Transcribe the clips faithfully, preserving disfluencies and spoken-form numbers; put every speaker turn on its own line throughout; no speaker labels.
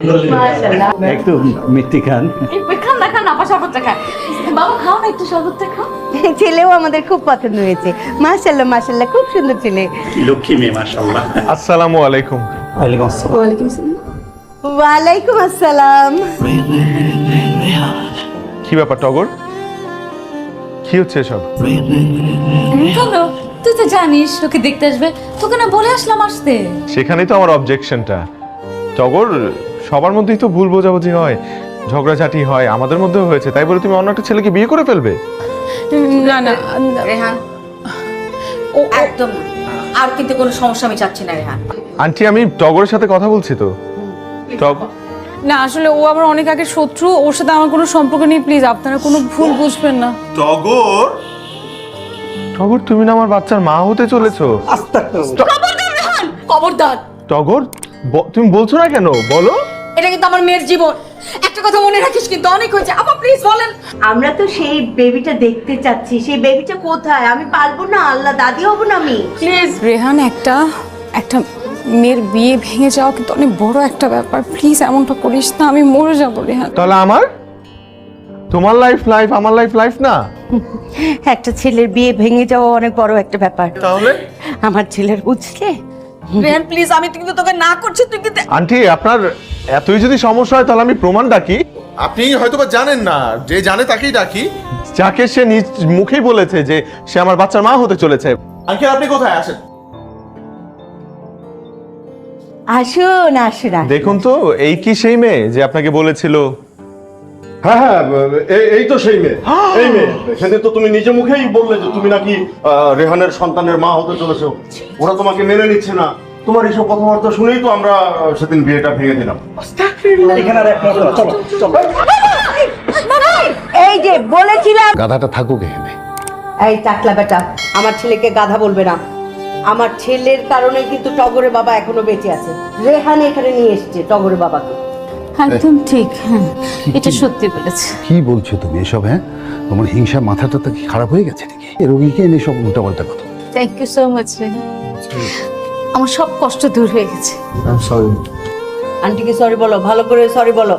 মাশাআল্লাহ
একটু মিষ্টি খান।
খান না খান আপা শরবতটা খান। বাবা খাও না একটু শরবতটা খাও।
ছেলেও আমাদের খুব পছন্দ হয়েছে। মাশাআল্লাহ মাশাআল্লাহ খুব সুন্দর ছেলে।
লক্ষ্মী মেয়ে মাশাআল্লাহ।
আসসালামু আলাইকুম।
ওয়ালাইকুম আসসালাম।
ওয়ালাইকুম আসসালাম।
ওয়ালাইকুম আসসালাম।
কি ব্যাপার টগর, কি হচ্ছে এসব?
কেন তুই তো জানিস ওকে দেখতে আসবে, তোকে না বলে আসলাম আসতে।
সেখানেই তো আমার অবজেকশনটা। টগর, সবার মধ্যেই তো ভুল বোঝাবুঝি হয়, ঝগড়াঝাটি হয়, আমাদের মধ্যেও হয়েছে, তাই বলে তুমি অন্য একটা ছেলেকে বিয়ে করে ফেলবে?
না না
রেহান ও একদম না। আর কিন্তু কোনো সমস্যা আমি চাচ্ছি না রেহান।
আন্টি, আমি টগরের সাথে কথা বলছি তো। টগ
না আসলে ও আমার অনেক আগে শত্রু, ওর সাথে আমার কোনো সম্পর্ক নেই, প্লিজ আপনারা কোনো ভুল বুঝবেন না।
টগর, টগর তুমি না আমার বাচ্চার মা হতে চলেছো।
খবরদার রেহান, খবরদার।
টগর, ব- তুমি বলছো না কেন, বলো।
এটা কিন্তু আমার মেয়ের জীবন, একটা কথা মনে রাখিস কিন্তু। অনেক হয়েছে আপা, প্লিজ বলেন।
আমরা তো সেই বেবিটা দেখতে চাচ্ছি। সেই বেবিটা কোথায়? আমি পারবো না, আল্লাহ দাদি হব না আমি।
প্লিজ রেহান, একটা একটা মেয়ের বিয়ে ভেঙে যাওয়া কিন্তু অনেক বড় একটা ব্যাপার, প্লিজ এমনটা করিস না, আমি মরে যাবো রেহান।
তাহলে আমার, তোমার লাইফ লাইফ, আমার লাইফ লাইফ না।
একটা ছেলের বিয়ে ভেঙে যাওয়া অনেক বড় একটা ব্যাপার।
তাহলে
আমার ছেলের বুঝলে।
রেহান প্লিজ, আমি কিন্তু তোকে না করছি, তুই কিন্তু।
আন্টি, আপনার এতই যদি সমস্যা হয় তাহলে আমি প্রমাণ ডাকি।
আপনি হয়তোবা জানেন না, যে জানে তাকেই ডাকি।
যাকে সে নিজ মুখেই বলেছে যে সে আমার বাচ্চার মা হতে চলেছে।
আঙ্কেল আপনি কোথায় আসেন?
আসুন আসুন আসুন।
দেখুন তো, এই কি সেই মেয়ে যে আপনাকে বলেছিল?
হ্যাঁ হ্যাঁ, এই- এই তো সেই মেয়ে, এই মেয়ে। সেদিন তো তুমি নিজে মুখেই বললে যে তুমি নাকি আহ, রেহানের সন্তানের মা হতে চলেছো। ওরা তোমাকে মেনে নিচ্ছে না। তোমার এইসব কথাবার্তা শুনেই তো আমরা আহ, সেদিন বিয়েটা ভেঙে দিলাম।
এখানে আর একটা চলো চলো চলো।
এই যে বলেছিলাম।
গাধাটা থাকুক এখানে।
এই টাকলা বেটা, আমার ছেলেকে গাধা বলবে না। আমার ছেলের কারণে কিন্তু টগরের বাবা এখনো বেঁচে আছে। রেহান এখানে নিয়ে এসেছে টগরের বাবাকে।
একদম ঠিক, হ্যাঁ এটা সত্যি বলেছে।
কি বলছো তুমি এসব? হ্যাঁ, তোমার হিংসা মাথাটা তো কি খারাপ হয়ে গেছে নাকি? এ রোগীকে এনে সব উল্টাপাল্টা কথা।
Thank you so much. আমার সব কষ্ট দূর হয়ে গেছে।
আন্টিকে সরি বলো, ভালো করে সরি বলো।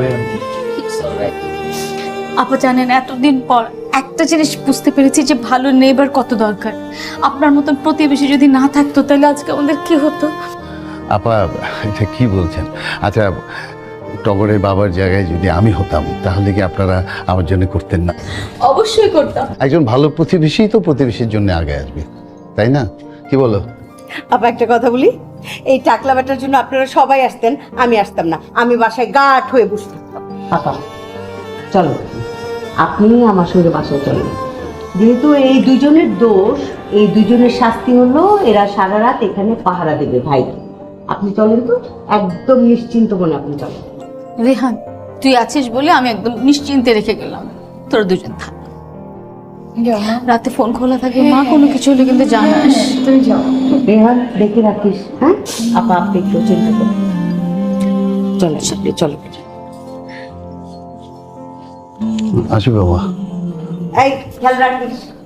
আপা জানেন, এতদিন পর একটা জিনিস বুঝতে পেরেছি যে ভালো নেবার কত দরকার। আপনার মতন প্রতিবেশী যদি না থাকতো তাহলে আজকে আমাদের কি হতো?
আপা, এটা কি বলছেন? আচ্ছা, টগরের বাবার জায়গায় যদি আমি হতাম তাহলে কি আপনারা আমার জন্য করতেন না?
অবশ্যই করতাম।
একজন ভালো প্রতিবেশী তো প্রতিবেশীর জন্য আগে আসবে, তাই না? কি বলো?
আপা একটা কথা বলি, এই টাকলা বেটার জন্য আপনারা সবাই আসতেন, আমি আসতাম না। আমি বাসায় গাঁট হয়ে বসে থাকতাম। আপা চলো, আপনি আমার সঙ্গে বাসায় চলেন। যেহেতু এই দুজনের দোষ, এই দুজনের শাস্তি হলো এরা সারা রাত এখানে পাহারা দেবে ভাই। আপনি চলেন তো, একদম নিশ্চিন্ত মনে আপনি চলেন।
রেহান, তুই আছিস বলে আমি একদম নিশ্চিন্তে রেখে গেলাম। তোরা দুজন থাক, রাতে ফোন খোলা থাকে, মা কোনো কিছু হলে কিন্তু জানাস। তুমি যাও।
রেহান দেখে রাখিস, হ্যাঁ? আপা আপনি একটু চিন্তা করুন। চলেন আপনি, চলো।
আসি বাবা।
এই খেয়াল রাখিস।